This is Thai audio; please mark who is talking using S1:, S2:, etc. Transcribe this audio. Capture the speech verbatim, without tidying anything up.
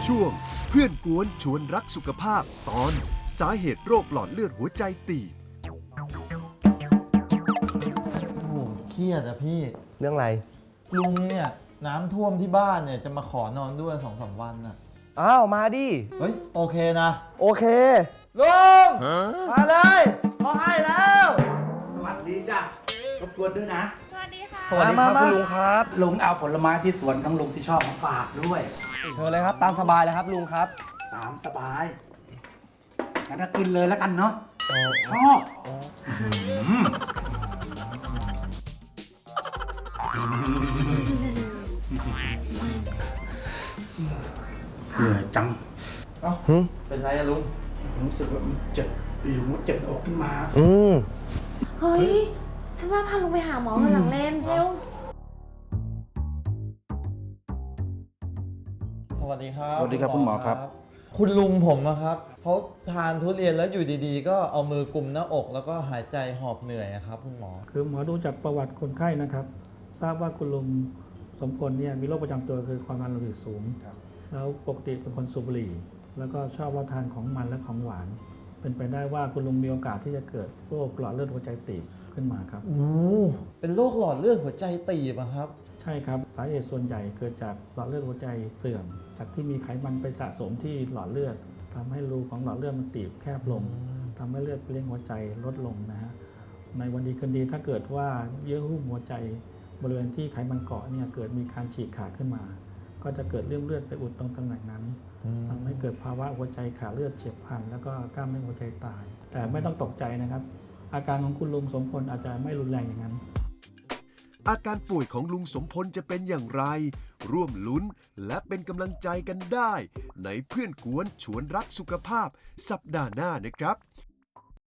S1: ช่วงเพื่อนกวนชวนรักสุขภาพตอนสาเหตุโรคหลอดเลือดหัวใจตีบ
S2: โอ้โหเครียดอะพี่
S3: เรื่องอะไร
S2: ลุงเนี่ยน้ำท่วมที่บ้านเนี่ยจะมาขอนอนด้วยสองสามวันน่ะ
S3: อ้าวมาดิ
S2: เฮ้ยโอเคนะ
S3: โอเค
S2: ลุงมาเลยเขาให้แล้ว
S4: สวัสดีจ้ะรบกวนด้วยนะ
S5: สวัสดีค่ะ
S3: สวัสดีครับ
S2: มามา
S3: คุณลุงครับ
S4: ลุงเอาผลไม้ที่สวนของลุงที่ชอบมาฝากด้วย
S3: เชิญเลยครับ ตามสบายเลยครับลุงครับ
S4: ตามสบายงั้นก็กินเลยแล้วกันเนาะชอบเหนื่อยจัง
S2: เอ้าเป็นไรอะลุง
S4: ผมรู้สึกว่ามันเจ็บอยู่มันเจ็บอกขึ้นมา
S3: อืม
S5: เฮ้ย ฉันว่าพาลุงไปหาหมอวันหลังเล่นเร็ว
S2: สวัสดีครับ
S4: สวัสดีครับคุณหมอครับ
S2: คุณลุงผมนะครับเขาทานทุเรียนแล้วอยู่ดีๆ ก็เอามือกุมหน้าอก แล้วก็หายใจหอบเหนื่อยอะครับคุณหมอ
S6: คือหมอดูจากประวัติคนไข้นะครับ ทราบว่าคุณลุงสมพลเนี่ยมีโรคประจำตัวคือความดันโลหิตสูง แล้วปกติเป็นคนสูบบุหรี่ แล้วก็ชอบรับทานของมันและของหวาน เป็นไปได้ว่าคุณลุงมีโอกาสที่จะเกิดโรคหลอดเลือดหัวใจตีบขึ้นมาครับ
S2: โอ้เป็นโรคหลอดเลือดหัวใจตีบอะครับ
S6: ใช่ครับสาเหตุส่วนใหญ่เกิดจากหลอดเลือดหัวใจเสื่อม จากที่มีไขมันไปสะสมที่หลอดเลือดทำให้รูของหลอดเลือดมันตีบแคบลงทำให้เลือดไปเลี้ยงหัวใจลดลงนะฮะในวันดีคืนดีถ้าเกิดว่าเยื่อหุ้มหัวใจบริเวณที่ไขมันเกาะเนี่ยเกิดมีการฉีกขาดขึ้นมา ก็จะเกิดเลื่อมเลือดไปอุดตรงตำแหน่งนั้นทำให้เกิดภาวะหัวใจขาดเลือดเฉียบพลันแล้วก็กล้ามเนื้อหัวใจตาย แต่ไม่ต้องตกใจนะครับ อาการของคุณลุงสมพลอาจจะไม่รุนแรงอย่างนั้น
S1: อาการป่วยของลุงสมพลจะเป็นอย่างไร ร่วมลุ้นและเป็นกำลังใจกันได้ ในเพื่อนกวนชวนรักสุขภาพสัปดาห์หน้านะครับ